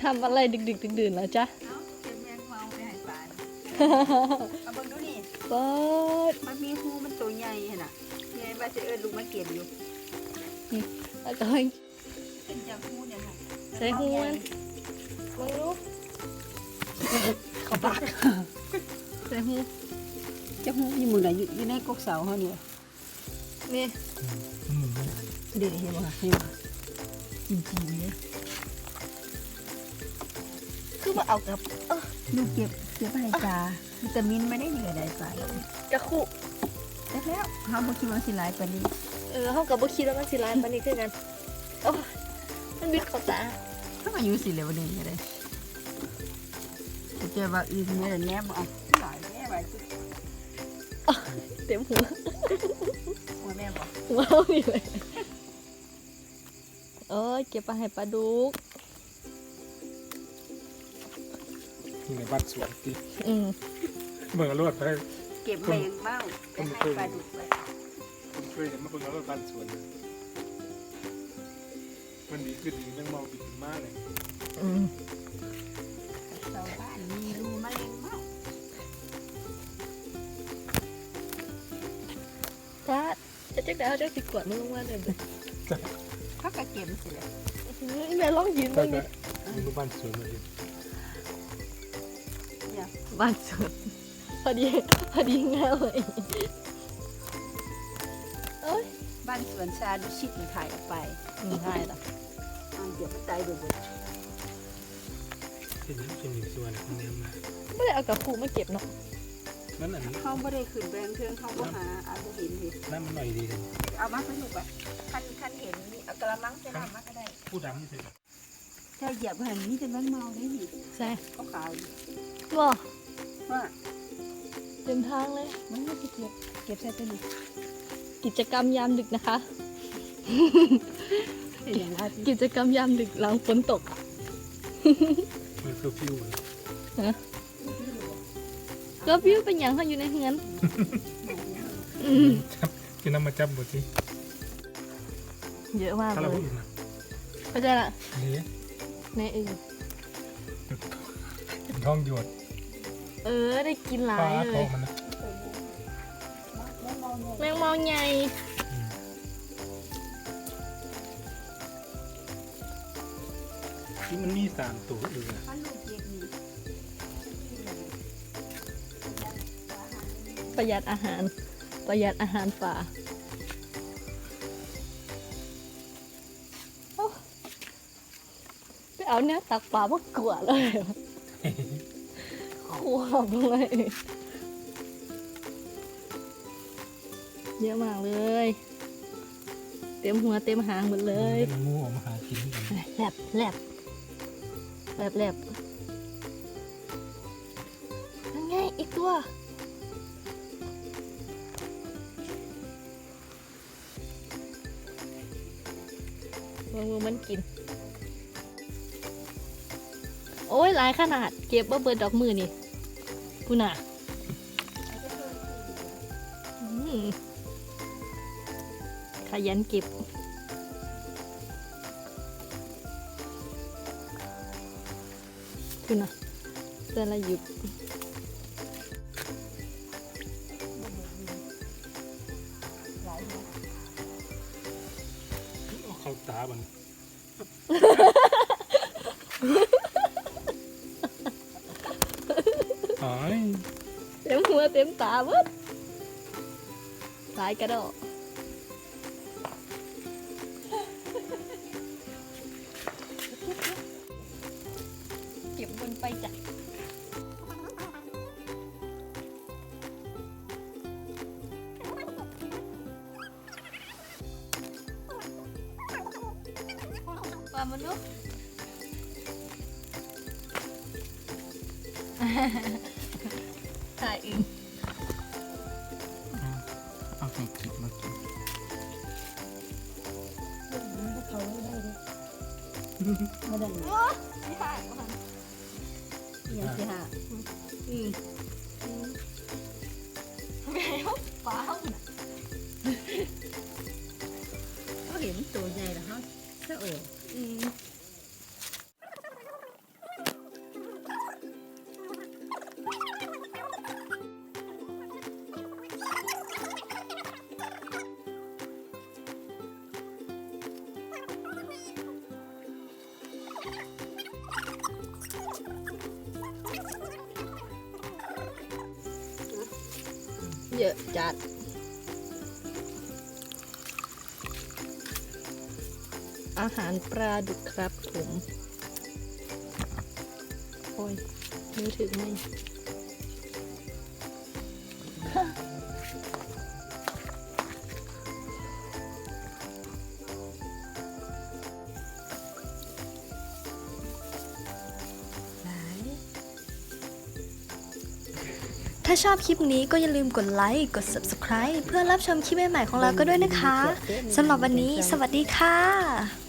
ทำอะไรดึกๆดื่นๆแล้วจ๊ะเอ้าเก็บแมงเมาไปให้ปลาเอาเบิ่งดูนี่เปิดมันมีหูมันตัวใหญ่ขนาดใหญ่ว่าจะเอิ้นลูกมาเก็บอยู่แล้วก็ให้เป็นจากหูเนี่ยค่ะใส่หูมันมึงรู้เขาปากใส่หูจะหูอยู่มือไหนอยู่ในกกเสาเขาเนี่ยนี่เด็กเห็นป่ะเห็นป่ะจริงๆเนี่ยคือว่าเอากับลูกเก็บไปให้ปลาวิตามินไม่ได้เหนื่อยใดไปกระคุแล้วเขาบอกคิดว่าสิหลายปานนี้เขากับบ่คิดว่ามันสิร้ายปานนี้คือกันโอ้ยมันบิดเข้าตาถ้ามาอยู่สิเหลวนี่ก็ได้เจอว่าอื่นเนี่ยแนบเอาหลายแน่ไปเต็มหัวหัวแม่บอกว้าวอยู่เลยเอ้ยเก็บไปให้ปลาดุกนี่ในบ้านสวนที่อืมเบิ่งเอารวดไปให้เก็บแมงเม่าไปให้ปลาดุกไปผมเคยเห็นมาเบิ่งเอารวดบ้านสวนมันดีขึ้นดีแม่งมองดีขึ้นมากเลยอืมชาวบ้านมีรูมะเร็งเม่าถ้าจะจักได้เอาจักสิกวดมันลงมาเลยเด้อเขาก็เก็บสิเลยแม่ลองยืนแต่บ้างดิมีรูปบ้านสวนมาดิเนี่ยบ้านสวนพอดีง่ายเลยโอ้ยบ้านสวนชาดุชิตมันถ่ายออกไปง่ายละเดี๋ยวมันตายเบื่อเป็นหนึ่งส่วนของแนวมาไม่ได้เอากับครูมาเก็บเนาะนั่นอันนี้เขาไม่ได้ขึ้นแบงเทิงเขาก็หาอาจจะเห็นสินั่นมันหน่อยดีเลยเอามาสนุกอ่ะคันเห็นนี่เอากระมังจะทำมาก็ได้ผู้ดำนี่สิถ้าเหยียบหันนี่จะแมงเมาได้ดิใช่เขาขาวดิว้าว่าเต็มทางเลยมันไม่จะเก็บใส่ตัวนี้กิจกรรมยามดึกนะคะอย่างไรกิจกรรมยามดึกหลังฝนตกอะมันคือฟิวก็วิวเป็นอย่างเขาอยู่ในเฮือนอืมจับกินน้ำมาจับหมดที่เยอะมากถ้าเลเรายพูดนะเข้าใจละนี่ในอื่นท้องหยวดได้กินหลาปลายเลท้อย งมันนะแมงมองใหญ่ที่มันมี3ตัวอยู่นะถ้าลูกเก็บนี่ประหยัดอาหาร ประหยัดอาหารป่าโอ้ไปเอาเนี่ยตักปลามากลัวเลยขวบเลยเยอะมากเลย เต็มหัวเต็มหางหมดเลยมันงูออกมาหากินกันแลบแลบแลบแลบนั่นไงอีกตัวมือมันกิน โอ้ยหลายขนาดเก็บว่าเบิดดอกมือนี่พูน่ะอืมขยันเก็บพูน่ะแต่ละหยุดเอาเข้าตาบันหายเต็มหัวเต็มตาเบิดหลายกระดอกเก็บบนไปจ้ะปลามนุษย์ถ่ายอึ่งเอาใส่กิบมากินมาดันไม่ถ่ายมาอย่างที่ห้าแม่เขาป้าเขาเขาเห็นตัวใหญ่แล้วเขาเสะโอ้อืมยอะจัดอาหารปลาดุกครับผมโอ้ยนิ้วถึงไหมถ้าชอบคลิปนี้ก็อย่าลืมกดไลค์ กด Subscribe เพื่อรับชมคลิปใหม่ๆของเราก็ด้วยนะคะ สำหรับวันนี้สวัสดีค่ะ